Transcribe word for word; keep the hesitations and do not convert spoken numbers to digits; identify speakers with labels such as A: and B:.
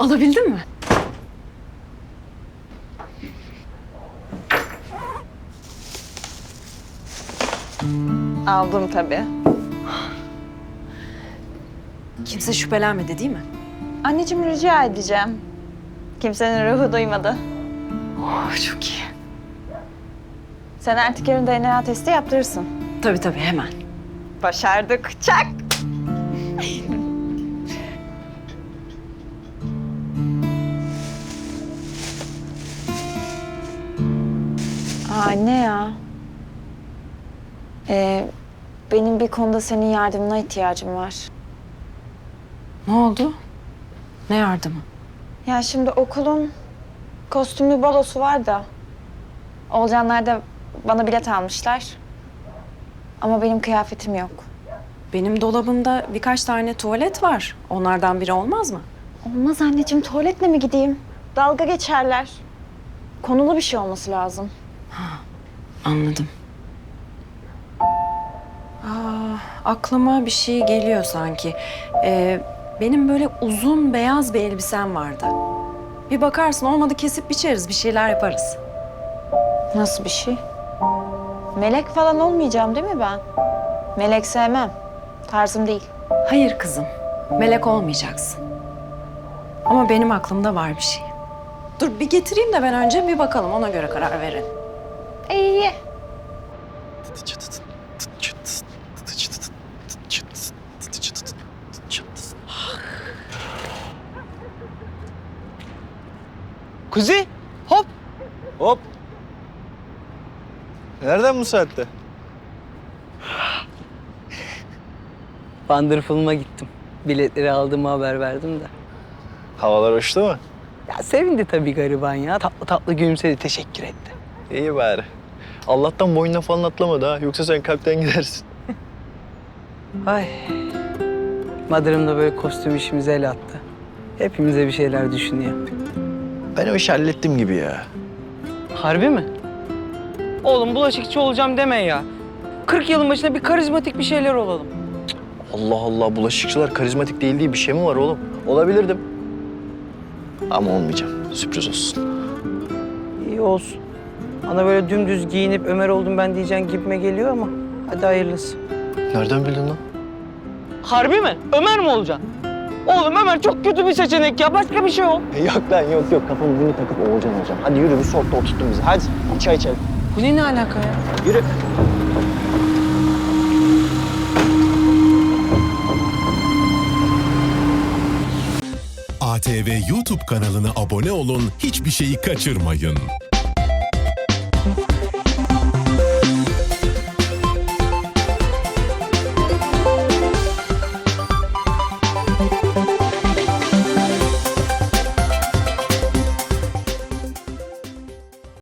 A: Alabildin mi?
B: Aldım tabii.
A: Kimse şüphelenmedi değil mi?
B: Anneciğim rica edeceğim. Kimsenin ruhu duymadı.
A: Oh, çok iyi.
B: Sen artık yarın D N A testi yaptırırsın.
A: Tabii tabii hemen.
B: Başardık. Çak! Aa, anne ya. Ee, benim bir konuda senin yardımına ihtiyacım var.
A: Ne oldu? Ne yardımı?
B: Ya şimdi okulun kostümlü balosu var da... Olcanlar da bana bilet almışlar. Ama benim kıyafetim yok.
A: Benim dolabımda birkaç tane tuvalet var. Onlardan biri olmaz mı?
B: Olmaz anneciğim, tuvaletle mi gideyim? Dalga geçerler. Konulu bir şey olması lazım.
A: Anladım. Aa, aklıma bir şey geliyor sanki. Ee, benim böyle uzun beyaz bir elbisem vardı. Bir bakarsın, olmadı kesip biçeriz, bir şeyler yaparız.
B: Nasıl bir şey? Melek falan olmayacağım değil mi ben? Melek sevmem. Tarzım değil.
A: Hayır kızım, melek olmayacaksın. Ama benim aklımda var bir şey. Dur bir getireyim de ben önce bir bakalım, ona göre karar verelim.
B: İyi.
C: Kuzi, hop. Hop. Nereden bu saatte?
D: Wonderful'uma gittim. Biletleri aldığımı haber verdim de.
C: Havalar hoştu mu?
D: Ya sevindi tabii gariban ya. Tatlı tatlı gülümsedi, teşekkür etti.
C: İyi bari. Allah'tan boynuna falan atlamadı ha. Yoksa sen kalpten gidersin.
D: Ay. Madırım da böyle kostüm işimize el attı. Hepimize bir şeyler düşünüyor.
C: Ben o işi hallettim gibi ya.
D: Harbi mi? Oğlum bulaşıkçı olacağım deme ya. kırk yılın başında bir karizmatik bir şeyler olalım.
C: Allah Allah, bulaşıkçılar karizmatik değil diye bir şey mi var oğlum? Olabilirdim. Ama olmayacağım. Sürpriz olsun.
D: İyi olsun. Bana böyle dümdüz giyinip Ömer oldum ben diyeceğin gibime geliyor ama hadi hayırlısı.
C: Nereden bildin lan?
D: Harbi mi? Ömer mi olacaksın? Oğlum Ömer çok kötü bir seçenek ya. Başka bir şey ol.
C: Yok lan, yok yok. Kafamı bunu takıp Oğulcan olacağım. Hadi yürü, bir soğukta oturttun bizi. Hadi çay içelim.
D: Bu ne, ne alaka ya?
C: Yürü.
E: A T V YouTube kanalına abone olun, hiçbir şeyi kaçırmayın.